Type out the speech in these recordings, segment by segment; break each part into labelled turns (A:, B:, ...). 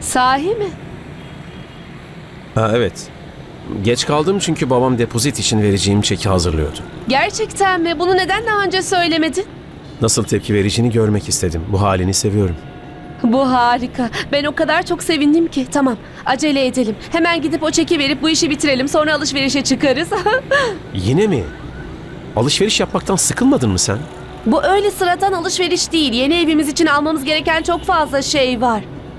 A: Sahi mi?
B: Ha, evet. Geç kaldım çünkü babam depozit için vereceğim çeki hazırlıyordu.
A: Gerçekten mi? Bunu neden daha önce söylemedin?
B: Nasıl tepki vereceğini görmek istedim. Bu halini seviyorum.
A: Bu harika. Ben o kadar çok sevindim ki. Tamam, acele edelim. Hemen gidip o çeki verip bu işi bitirelim. Sonra alışverişe çıkarız.
B: Yine mi? Alışveriş yapmaktan sıkılmadın mı sen?
A: Bu öyle sıradan alışveriş değil. Yeni evimiz için almamız gereken çok fazla şey var.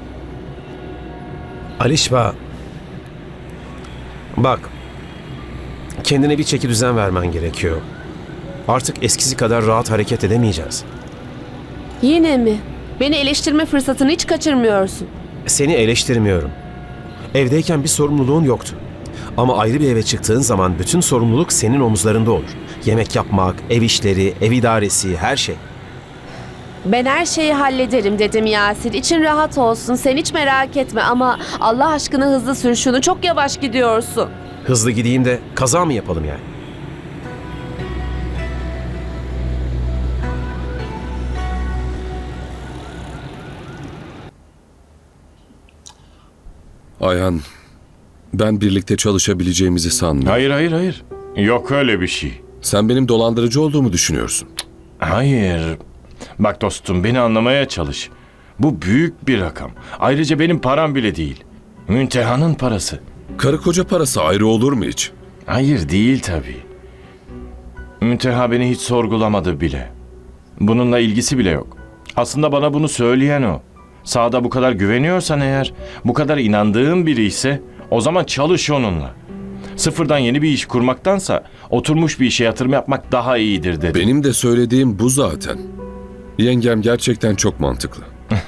B: Alişba. Bak. Kendine bir çeki düzen vermen gerekiyor. Artık eskisi kadar rahat hareket edemeyeceğiz.
A: Yine mi? Beni eleştirme fırsatını hiç kaçırmıyorsun.
B: Seni eleştirmiyorum. Evdeyken bir sorumluluğun yoktu. Ama ayrı bir eve çıktığın zaman bütün sorumluluk senin omuzlarında olur. Yemek yapmak, ev işleri, ev idaresi, her şey.
A: Ben her şeyi hallederim dedim Yasir. İçin rahat olsun. Sen hiç merak etme ama Allah aşkına hızlı sür şunu. Çok yavaş gidiyorsun.
B: Hızlı gideyim de kaza mı yapalım yani?
C: Ayhan, ben birlikte çalışabileceğimizi sanmıyorum.
D: Hayır. Yok öyle bir şey.
C: Sen benim dolandırıcı olduğumu düşünüyorsun.
D: Hayır. Bak dostum beni anlamaya çalış. Bu büyük bir rakam. Ayrıca benim param bile değil. Münteha'nın parası.
C: Karı koca parası ayrı olur mu hiç?
D: Hayır değil tabii. Münteha beni hiç sorgulamadı bile. Bununla ilgisi bile yok. Aslında bana bunu söyleyen o. Sağda bu kadar güveniyorsan eğer, bu kadar inandığın biri ise o zaman çalış onunla. Sıfırdan yeni bir iş kurmaktansa oturmuş bir işe yatırım yapmak daha iyidir dedi.
C: Benim de söylediğim bu zaten. Yengem gerçekten çok mantıklı.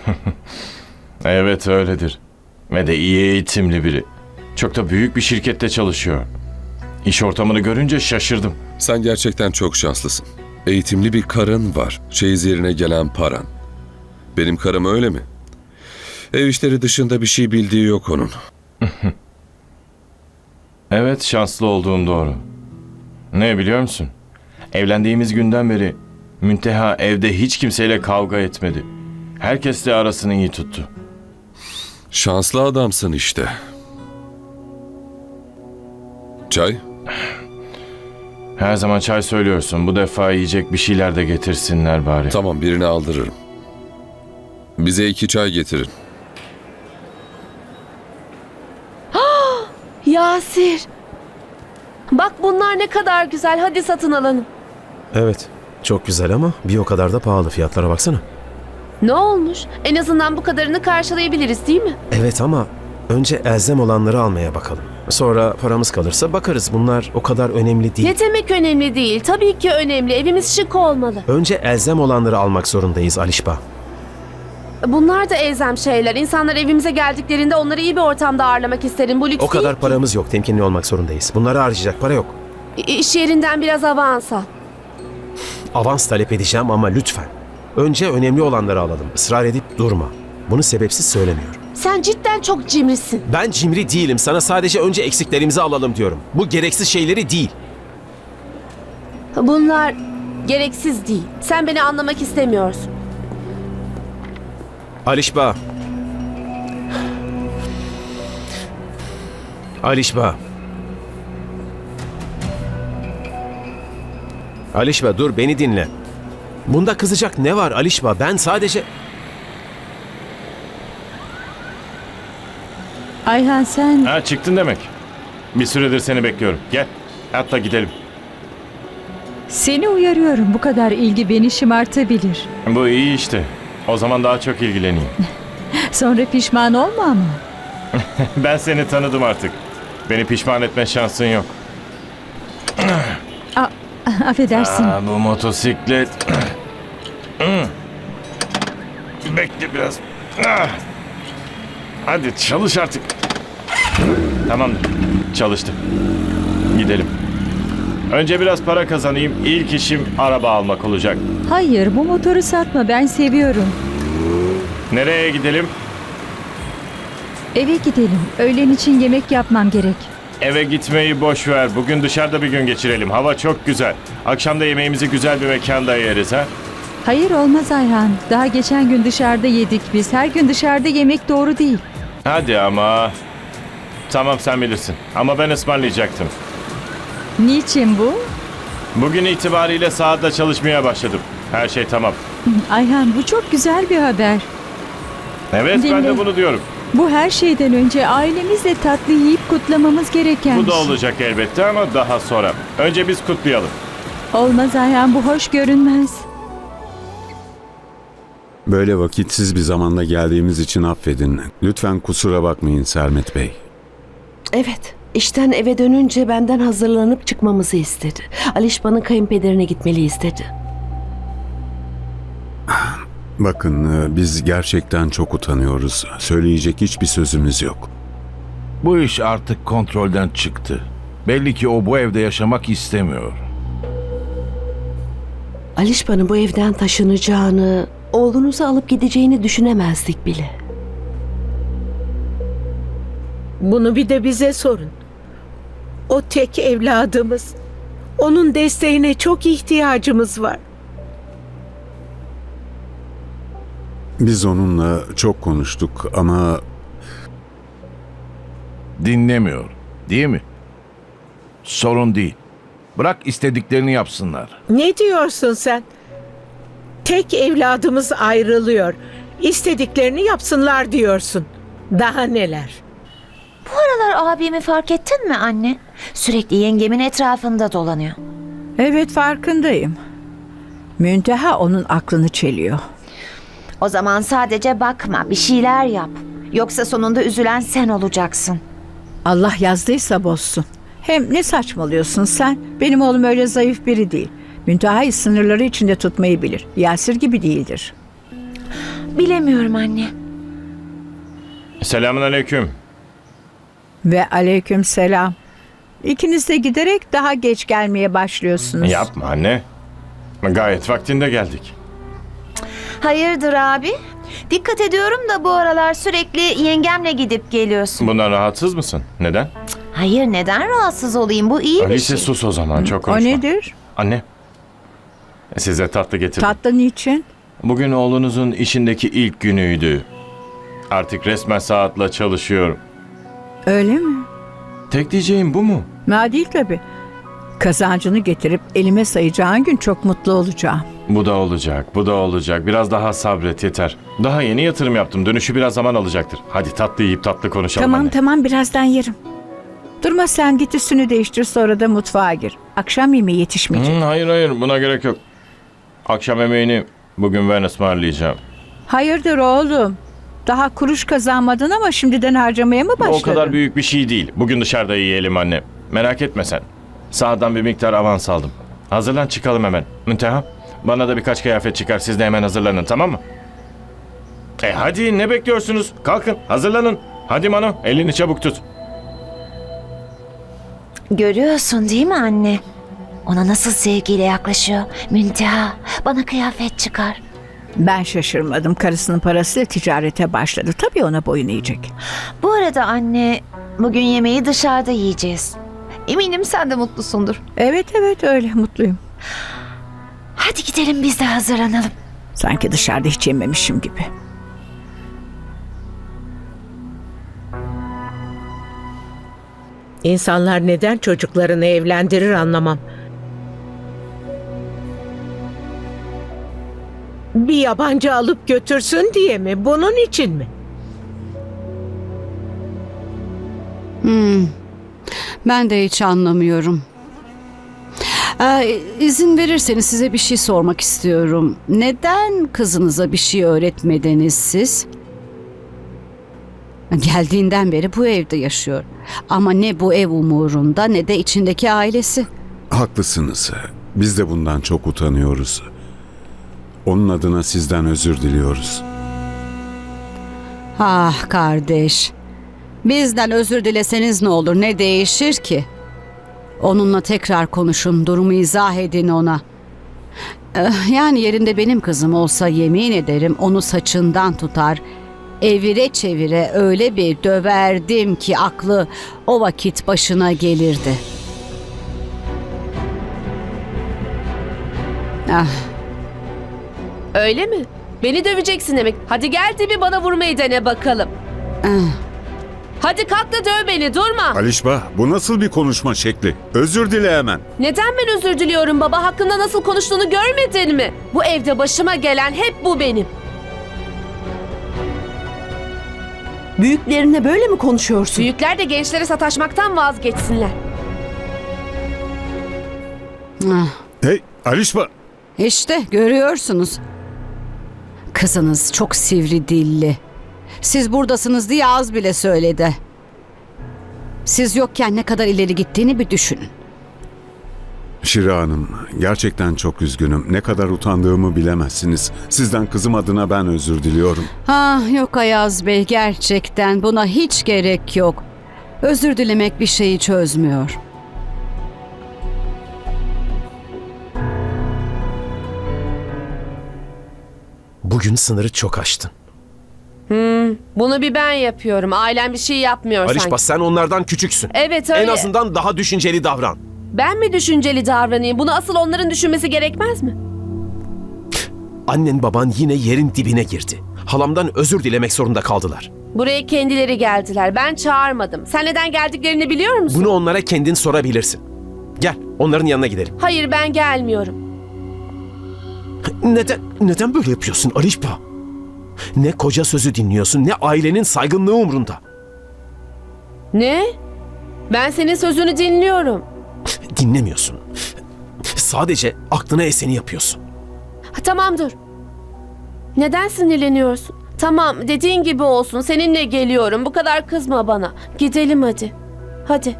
D: Evet öyledir. Ve de iyi eğitimli biri. Çok da büyük bir şirkette çalışıyor. İş ortamını görünce şaşırdım.
C: Sen gerçekten çok şanslısın. Eğitimli bir karın var. Çeyiz yerine gelen paran. Benim karım öyle mi? Ev işleri dışında bir şey bildiği yok onun.
D: Evet şanslı olduğum doğru. Ne biliyor musun? Evlendiğimiz günden beri Münteha evde hiç kimseyle kavga etmedi. Herkesle arasını iyi tuttu.
C: Şanslı adamsın işte. Çay?
D: Her zaman çay söylüyorsun. Bu defa yiyecek bir şeyler de getirsinler bari.
C: Tamam, birini aldırırım. Bize 2 çay getirin.
A: Yasir. Bak bunlar ne kadar güzel. Hadi satın alalım.
B: Evet, çok güzel ama bir o kadar da pahalı. Fiyatlara baksana.
A: Ne olmuş? En azından bu kadarını karşılayabiliriz değil mi?
B: Evet ama önce elzem olanları almaya bakalım. Sonra paramız kalırsa bakarız. Bunlar o kadar önemli değil.
A: Ne demek önemli değil? Tabii ki önemli. Evimiz şık olmalı.
B: Önce elzem olanları almak zorundayız Alişba.
A: Bunlar da elzem şeyler. İnsanlar evimize geldiklerinde onları iyi bir ortamda ağırlamak isterim. Bu lüks
B: O kadar
A: değil ki.
B: paramız yok. Temkinli olmak zorundayız. Bunları harcayacak para yok.
A: İş yerinden biraz avans al.
B: Avans talep edeceğim ama lütfen. Önce önemli olanları alalım. Israr edip durma. Bunu sebepsiz söylemiyorum.
A: Sen cidden çok cimrisin.
B: Ben cimri değilim. Sana sadece önce eksiklerimizi alalım diyorum. Bu gereksiz şeyleri değil.
A: Bunlar gereksiz değil. Sen beni anlamak istemiyorsun.
B: Alişba. Alişba. Alişba dur beni dinle. Bunda kızacak ne var Alişba? Ben sadece...
E: Ayhan sen...
D: Ha çıktın demek. Bir süredir seni bekliyorum. Gel. Hatta gidelim.
E: Seni uyarıyorum, bu kadar ilgi beni şımartabilir.
D: Bu iyi işte. O zaman daha çok ilgileneyim.
E: Sonra pişman olma ama.
D: Ben seni tanıdım artık. Beni pişman etme şansın yok.
E: Affedersin.
D: Bu motosiklet. Bekle biraz. Hadi çalış artık. Tamamdır. Çalıştı. Gidelim. Önce biraz para kazanayım. İlk işim araba almak olacak.
E: Hayır, bu motoru satma, ben seviyorum.
D: Nereye gidelim?
E: Eve gidelim. Öğlen için yemek yapmam gerek.
D: Eve gitmeyi boş ver. Bugün dışarıda bir gün geçirelim. Hava çok güzel. Akşam da yemeğimizi güzel bir mekanda yeriz ha.
E: Hayır olmaz Ayhan. Daha geçen gün dışarıda yedik biz. Her gün dışarıda yemek doğru değil.
D: Hadi ama. Tamam sen bilirsin. Ama ben ısmarlayacaktım.
E: Niçin bu?
D: Bugün itibariyle sahada çalışmaya başladım. Her şey tamam.
E: Ayhan, bu çok güzel bir haber.
D: Evet ben
E: Dinle.
D: de bunu diyorum.
E: Bu her şeyden önce ailemizle tatlı yiyip kutlamamız gereken
D: Bu
E: bir
D: da
E: şey.
D: olacak elbette ama daha sonra. Önce biz kutlayalım.
E: Olmaz Ayhan, bu hoş görünmez.
F: Böyle vakitsiz bir zamanda geldiğimiz için affedin. Lütfen kusura bakmayın Sermet Bey.
G: Evet, işten eve dönünce benden hazırlanıp çıkmamızı istedi. Alişba'nın kayınpederine gitmeliyiz dedi.
F: Bakın biz gerçekten çok utanıyoruz. Söyleyecek hiçbir sözümüz yok.
H: Bu iş artık kontrolden çıktı. Belli ki o bu evde yaşamak istemiyor.
G: Alişba'nın bu evden taşınacağını, oğlunuzu alıp gideceğini düşünemezdik bile.
I: Bunu bir de bize sorun. O tek evladımız. Onun desteğine çok ihtiyacımız var.
F: Biz onunla çok konuştuk ama
H: Dinlemiyor, değil mi? Sorun değil. Bırak istediklerini yapsınlar.
I: Ne diyorsun sen? Tek evladımız ayrılıyor. İstediklerini yapsınlar diyorsun. Daha neler?
J: Bu aralar abimi fark ettin mi anne? Sürekli yengemin etrafında dolanıyor.
E: Evet, farkındayım. Münteha onun aklını çeliyor.
J: O zaman sadece bakma, bir şeyler yap. Yoksa sonunda üzülen sen olacaksın.
E: Allah yazdıysa bozsun. Hem ne saçmalıyorsun sen? Benim oğlum öyle zayıf biri değil. Münteha'yı sınırları içinde tutmayı bilir. Yasir gibi değildir.
J: Bilemiyorum anne.
D: Selamünaleyküm.
E: Ve aleyküm selam. İkiniz de giderek daha geç gelmeye başlıyorsunuz.
D: Yapma anne. Gayet vaktinde geldik.
J: Hayırdır abi? Dikkat ediyorum da bu aralar sürekli yengemle gidip geliyorsun.
D: Bundan rahatsız mısın? Neden?
J: Hayır, neden rahatsız olayım? Bu iyi bir
D: Alice
J: şey.
D: sus o zaman çok
E: O
D: konuşma.
E: nedir?
D: Anne. Size tatlı getirdim.
E: Tatlı niçin?
D: Bugün oğlunuzun işindeki ilk günüydü. Artık resmen saatla çalışıyorum.
E: Öyle mi?
D: Tek diyeceğim bu mu?
E: Ma değil tabii. Kazancını getirip elime sayacağın gün çok mutlu olacağım.
D: Bu da olacak, bu da olacak. Biraz daha sabret yeter. Daha yeni yatırım yaptım. Dönüşü biraz zaman alacaktır. Hadi tatlı yiyip tatlı konuşalım
E: Tamam
D: anne.
E: tamam, birazdan yerim. Durma sen, git üstünü değiştir, sonra da mutfağa gir. Akşam yemeği yetişmeyecek.
D: Hayır buna gerek yok. Akşam yemeğini bugün ben ısmarlayacağım.
E: Hayırdır oğlum? Daha kuruş kazanmadın ama şimdiden harcamaya mı
D: Bu
E: başladın?
D: o kadar büyük bir şey değil. Bugün dışarıda yiyelim anne. Merak etme sen. Sağdan bir miktar avans aldım. Hazırlan çıkalım hemen. Münteha, bana da birkaç kıyafet çıkar. Siz de hemen hazırlanın, tamam mı? Hadi ne bekliyorsunuz? Kalkın hazırlanın. Hadi Mano, elini çabuk tut.
J: Görüyorsun değil mi anne? Ona nasıl sevgiyle yaklaşıyor. Münteha, bana kıyafet çıkar.
E: Ben şaşırmadım. Karısının parasıyla ticarete başladı. Tabii ona boyun eğecek.
J: Bu arada anne, bugün yemeği dışarıda yiyeceğiz. Eminim sen de mutlusundur.
E: Evet öyle, mutluyum.
J: Hadi gidelim biz de hazırlanalım.
E: Sanki dışarıda hiç yememişim gibi.
I: İnsanlar neden çocuklarını evlendirir anlamam. Bir yabancı alıp götürsün diye mi? Bunun için mi?
K: Ben de hiç anlamıyorum. İzin verirseniz size bir şey sormak istiyorum. Neden kızınıza bir şey öğretmediniz siz? Geldiğinden beri bu evde yaşıyor. Ama ne bu ev umurunda ne de içindeki ailesi.
F: Haklısınız. Biz de bundan çok utanıyoruz. Onun adına sizden özür diliyoruz.
K: Ah kardeş. Bizden özür dileseniz ne olur, ne değişir ki? Onunla tekrar konuşun, durumu izah edin ona. Yani yerinde benim kızım olsa yemin ederim onu saçından tutar, evire çevire öyle bir döverdim ki aklı o vakit başına gelirdi. Ah,
A: Öyle mi? Beni döveceksin demek. Hadi gel de bir bana vurmayı dene bakalım. Hadi kalk da döv beni, durma.
F: Alişba, bu nasıl bir konuşma şekli? Özür dile hemen.
A: Neden ben özür diliyorum baba? Hakkında nasıl konuştuğunu görmedin mi? Bu evde başıma gelen hep bu benim.
G: Büyüklerine böyle mi konuşuyorsun?
A: Büyükler de gençlere sataşmaktan vazgeçsinler.
K: Ah,
F: Hey Alişba!
K: İşte görüyorsunuz. Kızınız çok sivri dilli. Siz buradasınız diye az bile söyledi. Siz yokken ne kadar ileri gittiğini bir düşünün.
F: Şira Hanım, gerçekten çok üzgünüm. Ne kadar utandığımı bilemezsiniz. Sizden kızım adına ben özür diliyorum.
K: Ah yok Ayaz Bey, gerçekten buna hiç gerek yok. Özür dilemek bir şeyi çözmüyor.
B: Bugün sınırı çok aştın.
A: Bunu bir ben yapıyorum. Ailem bir şey yapmıyor
B: Alişba,
A: sanki.
B: sen onlardan küçüksün.
A: Evet öyle.
B: En azından daha düşünceli davran.
A: Ben mi düşünceli davranayım? Bunu asıl onların düşünmesi gerekmez mi?
B: Annen baban yine yerin dibine girdi. Halamdan özür dilemek zorunda kaldılar.
A: Buraya kendileri geldiler. Ben çağırmadım. Sen neden geldiklerini biliyor musun?
B: Bunu onlara kendin sorabilirsin. Gel, onların yanına gidelim.
A: Hayır, ben gelmiyorum.
B: Neden böyle yapıyorsun Alişba? Ne koca sözü dinliyorsun, ne ailenin saygınlığı umrunda.
A: Ne? Ben senin sözünü dinliyorum.
B: Dinlemiyorsun. Sadece aklına eseni yapıyorsun.
A: Tamam dur. Neden sinirleniyorsun? Tamam, dediğin gibi olsun. Seninle geliyorum. Bu kadar kızma bana. Gidelim hadi. Hadi.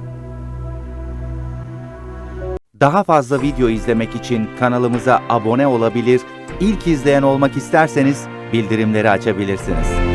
L: Daha fazla video izlemek için kanalımıza abone olabilir, ilk izleyen olmak isterseniz bildirimleri açabilirsiniz.